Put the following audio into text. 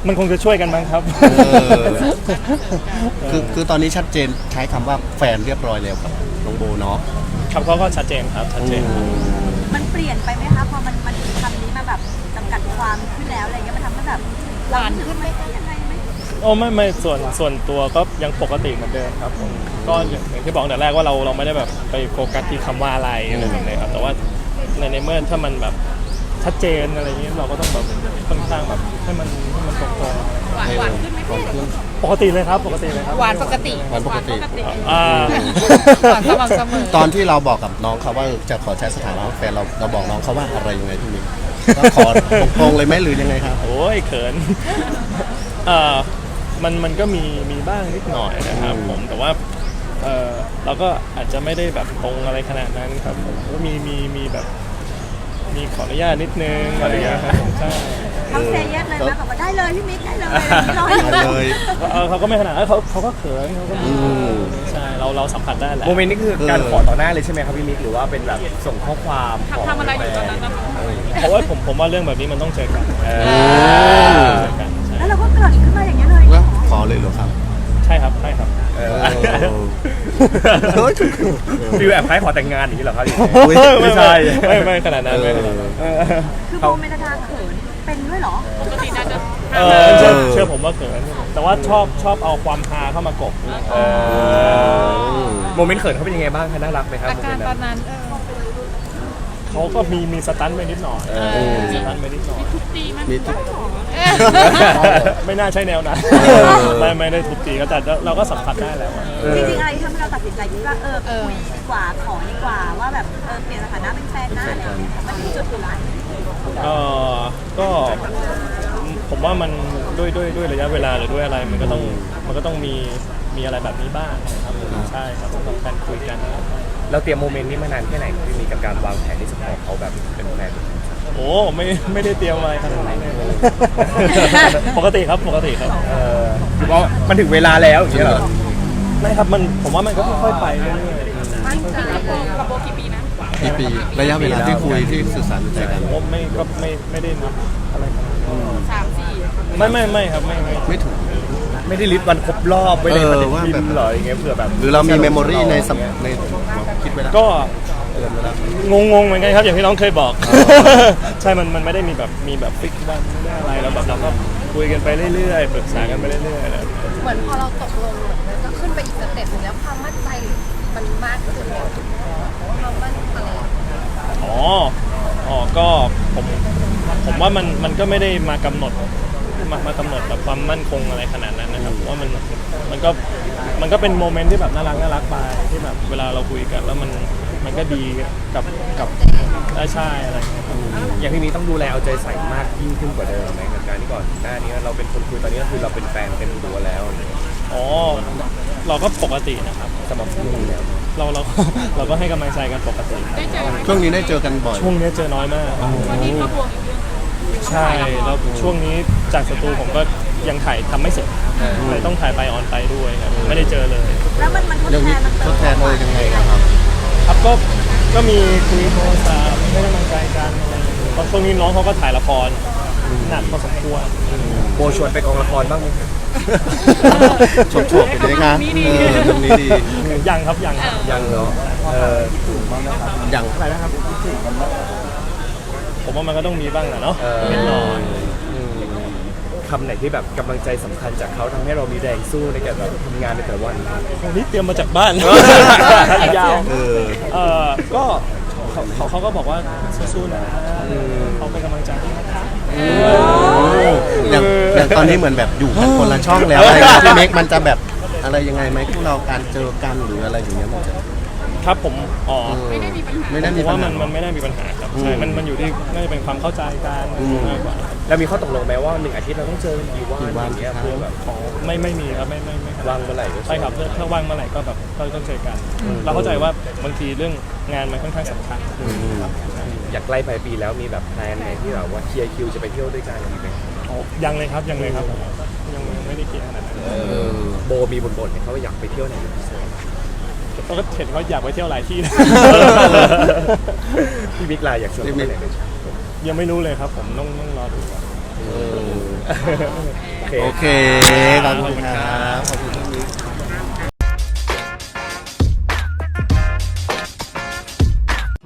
มันคงจะช่วยกันบ้างครับคือตอนนี้ชัดเจนใช้คำว่าแฟนเรียบร้อยแล้วครับน้องโบเนาะครับเขาก็ชัดเจนครับชัดเจนมันเปลี่ยนไปไหมคะพอมันคำนี้มาแบบจำกัดความขึ้นแล้วอะไรเงี้ยมันทำให้แบบหวานขึ้นไหมยังไงไหมโอ้ไม่ส่วนตัวก็ยังปกติเหมือนเดิมครับผมก็อย่างที่บอกแต่แรกว่าเราไม่ได้แบบไปโฟกัสที่คำว่าอะไรแบบนี้ครับแต่ว่าในเมื่อถ้ามันแบบชัดเจนอะไรอย่างเงี้ยเราก็ต้องแบบค่อนข้างแบบให้มันตรงหวานขึ้นไหมพี่ปกติเลยครับปกติเลยครับหวานปกติหวานปกติหวานสม่ำเสมอตอนที่เราบอกกับน้องเขาว่าจะขอใช้สถานะแฟนเราบอกน้องเขาว่าอะไรยังไงพี่มิกก็ขอตรงๆเลยไหมหรือยังไงครับโอ้ยเขินมันก็มีบ้างนิดหน่อยนะครับผมแต่ว่าเราก็อาจจะไม่ได้แบบตรงอะไรขนาดนั้นครับผมก็มีแบบมีขออนุญาตนิดนึงอะไรอย่างเงี้ยครับใช่เขาเซย์เยสเลยนะแบบว่าได้เลยพี่มิกได้เลยเขาก็ไม่ขนาดนั้นเขาก็เขินเขาก็ใช่เราสัมผัสได้แหละโมเมนต์นี้คือการขอต่อหน้าเลยใช่ไหมครับพี่มิกหรือว่าเป็นแบบส่งข้อความทำอะไรอยู่ตอนนั้นนะคะเพราะว่าผมว่าเรื่องแบบนี้มันต้องเจอกันแล้วเราก็เกิดขึ้นมาอย่างเงี้ยเลยขอเลยเหรอครับใช่ครับใช่ครับฟิลแอบคล้ายขอแต่งงานอย่างนี้เหรอครับไม่ใช่ไม่ขนาดนั้นไม่ขนาดนั้นคือโบเมนทาเขินเป็นด้วยเหรอปกติน่าจะเชื่อผมว่าเขินแต่ว่าชอบเอาความฮาเข้ามากบโมเมนต์เขินเขาเป็นยังไงบ้างคะน่ารักไหมครับอาการตอนนั้นเขาก็มีสตันไปนิดหน่อยสตันไปนิดหน่อยทุบตีมั้ยไม่น่าใช่แนวนั้นไม่ได้ทุบตีก็แต่เราก็สัมผัสได้แล้วจริงๆอะไรที่ทำให้เราตัดสินใจคิดว่าคุยดีกว่าขอดีกว่าว่าแบบเปลี่ยนสถานะเป็นแฟนนะอะไรอย่างเงี้ยมันถึงจุดอยู่แล้วก็ผมว่ามันด้วยระยะเวลาหรือด้วยอะไรมันก็ต้องมีอะไรแบบนี้บ้างนะครับใช่ครับต้องการคุยกันเราเตรียมโมเมนต์นี้มานานแค่ไหนที่มีกับการวางแผนที่จะขอเขาแบบเป็นแฟนโอ้ไม่ได้เตรียมอะไรขนาดนั้นปกติครับคือว่ามันถึงเวลาแล้วอย่างเงี้ยเหรอไม่ครับผมว่ามันก็ค่อยๆไปเรื่อยๆกับโบกี่ปีนะกี่ปีระยะเวลาที่คุยที่สื่อสารใจกันผมไม่ได้นับอะไร 3-4 ไม่ครับไม่ถึงไม่ได้ลิสต์วันครบรอบไม่ได้ว่าแบบหรออย่างเงี้ยเผื่อแบบหรือเรามีเมมโมรีในคิดไว้แล้วก็งงเหมือนกันครับอย่างที่น้องเคยบอกใช่มันไม่ได้มีแบบฟิกวันไม่ได้อะไรแล้วแบบเราก็คุยกันไปเรื่อยๆปรึกษากันไปเรื่อยๆเหมือนพอเราตกลงมันก็ขึ้นไปอีกสเต็ปนึงแล้วความมั่นใจมันมากขึ้นความมั่นอะไรก็ผมว่ามันก็ไม่ได้มากำหนดแบบความมั่นคงอะไรขนาดนั้นนะครับว่ามันก็เป็นโมเมนต์ที่แบบน่ารักไปที่แบบเวลาเราคุยกันแล้วมันก็ดีกับใช่อะไรอย่างที่นี้ต้องดูแลเอาใจใส่มากยิ่งขึ้นกว่าเดิมไหมกับการที่ก่อนหน้านี้เราเป็นคนคุยตอนนี้ก็คือเราเป็นแฟนเป็นตัวแล้วเราก็ปกตินะครับสม่ำเสมอแล้วเราก็ให้กำลังใจกันปกติช่วงนี้ได้เจอกันบ่อยช่วงนี้เจอน้อยมากวันนี้ก็บวกอีกเรื่องใช่แล้วช่วงนี้จากสตูผมก็ยังถ่ายทำไม่เสร็จเลยต้องถ่ายไปออนไปด้วยครับไม่ได้เจอเลยแล้วมันทดแทนเลยยังไงครับก็มีคุยโทรศัพท์ให้กำลังใจกันตอนช่วงนี้น้องเขาก็ถ่ายละครหนักพอสมควรโบชวนไปกองละครบ้างไหมชมๆไปเลยครับตรงนี้ดียังครับยังเหรอยังอะไรนะครับผมว่ามันก็ต้องมีบ้างแหละเนาะนิดหน่อยคำไหนที่แบบกำลังใจสำคัญจากเขาทำให้เรามีแรงสู้ในการแบบทำงานในแต่ละวันวันนี้เตรียมมาจากบ้านยาวก็เขาก็บอกว่าสู้ๆนะเขาเป็นกำลังใจให้นะคะอย่างตอนนี้เหมือนแบบอยู่กันคนละช่องแล้วอะไรที่เมคมันจะแบบอะไรยังไงไหมพวกเราการเจอกันหรืออะไรอย่างเงี้ยมันจะครับผมไม่ได้มีปัญหาว่ามันไม่ได้มีปัญหาครับใช่มันอยู่ที่น่าจะเป็นความเข้าใจกันมากกว่าแล้วมีข้อตกลงไหมว่า1 อาทิตย์เราต้องเจอกี่วันอย่างเงี้ยเพื่อแบบไม่มีครับไม่ว่างเมื่อไหร่ใช่ครับถ้าว่างเมื่อไหร่ก็แบบก็ต้องเจอกันเราเข้าใจว่าบางทีเรื่องงานมันค่อนข้างสำคัญอยากใกล้ปลายปีแล้วมีแบบแพลนไหนที่แบบว่าเคลียร์คิวจะไปเที่ยวด้วยกันไหมยังเลยครับยังไม่ได้เคลียร์ขนาดนั้นโบมีบ่นๆเขาอยากไปเที่ยวไหนเราก็เห็นเขาอยากไปเที่ยวหลายที่นะพี่บิ๊กไลน์อยากชวนไปไหนยังไม่รู้เลยครับผมต้องรอดูก่อนโอเคขอบคุณครับ